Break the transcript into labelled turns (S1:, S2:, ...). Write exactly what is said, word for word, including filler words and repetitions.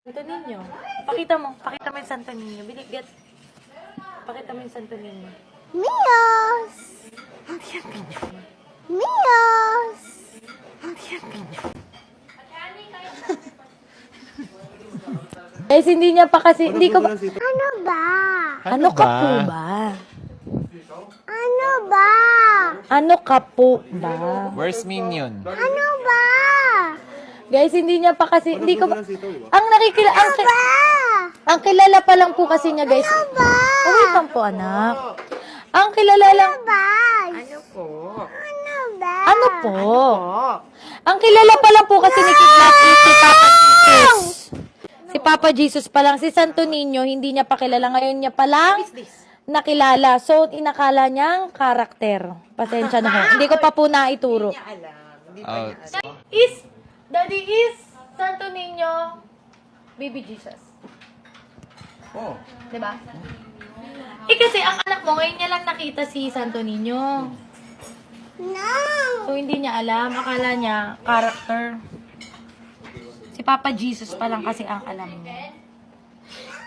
S1: Santo Niño. Pakita mo. Pakita mo yung Santo Niño. Binigyan. Pakita mo yung Santo Niño.
S2: Mios! Mios!
S1: Guys, hindi niya pa kasi, hindi ko,
S2: Ano ba?
S1: ano ka po ba?
S2: Ano ba?
S1: Ano ka po ba?
S3: Where's Minion?
S2: Ano ba?
S1: Guys, hindi niya pa kasi, hindi ko, ang nakikila, ang, ki-
S2: Ba?
S1: ang kilala pa lang po kasi niya, guys.
S2: Ba?
S1: Oh, wait lang po, anak. Ang kilala lang,
S2: Ba?
S4: Ano po?
S2: Ano ba?
S1: ano po?
S4: Po.
S1: Ang kilala pa lang po kasi ni Kidnap si Papa Jesus. Si Papa Jesus pa lang. Si Santo Niño, hindi niya pa kilala. Ngayon niya pa lang nakilala. So, inakala niyang karakter. Pasensya na ho. Hindi ko pa po naituro.
S4: Alam. Hindi pa
S3: Oh,
S4: niya alam.
S1: Is, Daddy is Santo Niño, Baby Jesus.
S3: Oh.
S1: Diba? Eh kasi ang anak mo, ngayon niya lang nakita si Santo Niño.
S2: No!
S1: So, hindi niya alam. Akala niya, character. Si Papa Jesus pa lang kasi ang alam niya.